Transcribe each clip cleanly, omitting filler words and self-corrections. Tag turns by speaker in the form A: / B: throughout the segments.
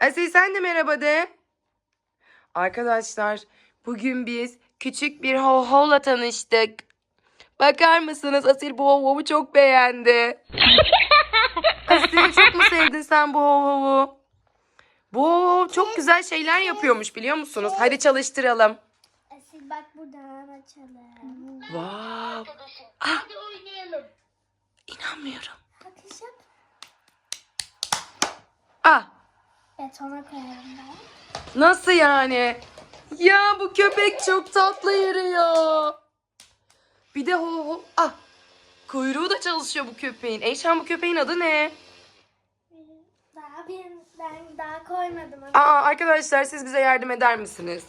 A: Asil sen de merhaba de. Arkadaşlar bugün biz küçük bir Ho-Ho'la tanıştık. Bakar mısınız? Asil bu Ho-Ho'yu çok beğendi. Asil çok mu sevdin sen bu Ho-Ho'yu? Bu Ho-Ho çok güzel şeyler yapıyormuş biliyor musunuz? Hadi çalıştıralım.
B: Asil bak buradan açalım.
A: Wow.
B: Hadi oynayalım.
A: İnanmıyorum.
B: Bakış yap.
A: Ah,
B: Betona koyalım ben.
A: nasıl yani? Ya bu köpek çok tatlı yürüyor. Bir de Ho-Ho. Ah, kuyruğu da çalışıyor bu köpeğin. Eyşan bu köpeğin adı ne?
B: Ben daha koymadım.
A: Arkadaşlar siz bize yardım eder misiniz?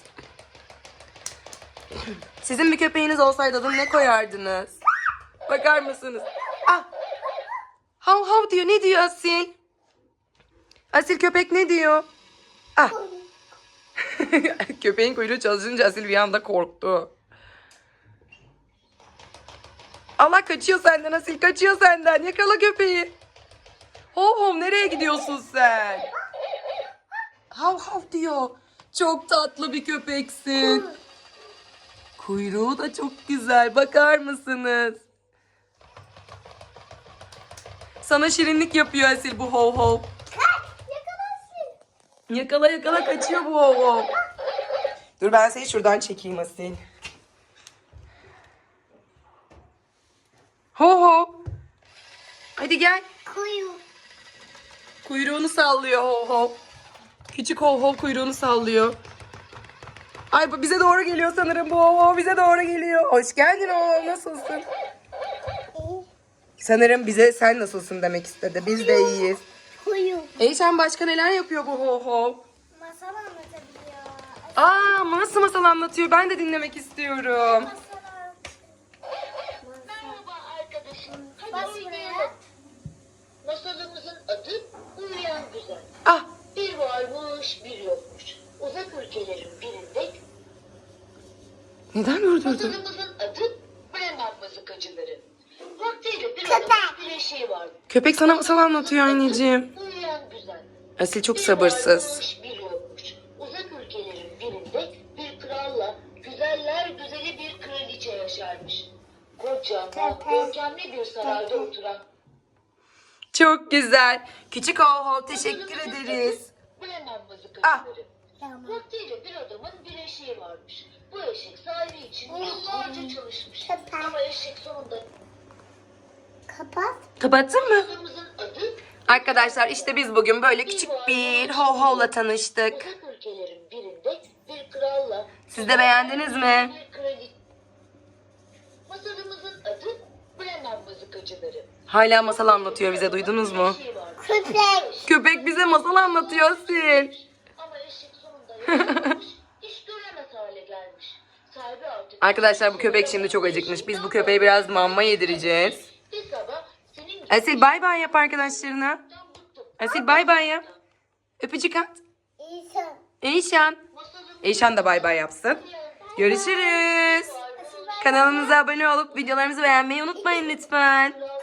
A: Sizin bir köpeğiniz olsaydı adını ne koyardınız? Bakar mısınız? Ah! Hav hav diyor. Ne diyor Asil? Asil köpek ne diyor? Ah! Köpeğin kuyruğu çalışınca Asil bir anda korktu. Allah kaçıyor senden Asil. Kaçıyor senden. Yakala köpeği. Hov hov nereye gidiyorsun sen? Hav hav diyor. Çok tatlı bir köpeksin. Kuyruğu da çok güzel. Bakar mısınız? Sana şirinlik yapıyor Asil bu hov hov. Yakala yakala kaçıyor bu hov hov. Dur ben seni şuradan çekeyim Asil. Hov hov. Hadi gel. Kuyruğunu sallıyor hov hov. Küçük hov hov kuyruğunu sallıyor. Ay bu bize doğru geliyor sanırım bu hov hov bize doğru geliyor. Hoş geldin hov hov nasılsın? Sanırım bize sen nasılsın demek istedi. Biz de iyiyiz. Eyşan başka neler yapıyor bu hov hov?
B: Masal anlatabiliyor.
A: Nasıl masal anlatıyor? Ben de dinlemek istiyorum.
C: Merhaba arkadaşım. Hadi
B: Bas
C: oynayalım.
B: buraya.
C: Masalımızın adı Uyuyan Güzel.
A: Ah
C: Bir varmış bir yokmuş. Uzak ülkelerin birinde
A: neden durdurdun?
C: masalımızın adı Bremen mızıkacıları. Vaktiyle bir adamın bir eşeği vardı.
A: Köpek sana masal anlatıyor anneciğim.
C: Uyuyan Güzel.
A: Asil çok
C: Bir
A: sabırsız.
C: varmış bir yokmuş. Uzak ülkelerin birinde bir kralla güzeller güzeli bir kraliçe yaşarmış. Kocaman, görkemli bir sarayda oturan
A: Çok güzel. Küçük hov hov teşekkür ederiz.
C: Bremen mızıkacıları.
B: Tamam.
C: Vaktiyle bir adamın bir eşeği varmış. Bu eşek sahibi için yıllarca çalışmış.
B: Kapat.
C: Ama eşek sonunda
B: Kapat.
A: Kapattın mı?
C: kızımızın adı
A: Arkadaşlar işte biz bugün böyle küçük bir hov hovla tanıştık.
C: uzak ülkelerin birinde bir kralla
A: Siz de beğendiniz mi?
C: bir kraliçe. Masalımızın adı Bremen mızıkacıları.
A: Hala masal anlatıyor bize duydunuz mu?
C: Eşeği varmış.
B: Köpek.
A: Köpek bize masal anlatıyor Asil.
C: Ama eşek sonunda yaşlanmış, hiç göremez hale gelmiş. Sahibi artık...
A: Arkadaşlar bu köpek şimdi çok acıkmış. Biz bu köpeğe biraz mama yedireceğiz.
C: Bir sabah senin
A: Asil bay bay yap arkadaşlarına. Asil bay bay yap. Öpücük at.
B: İnsan.
A: Eyşan. Eyşan da bay bay yapsın. Görüşürüz. Kanalımıza abone olup videolarımızı beğenmeyi unutmayın lütfen.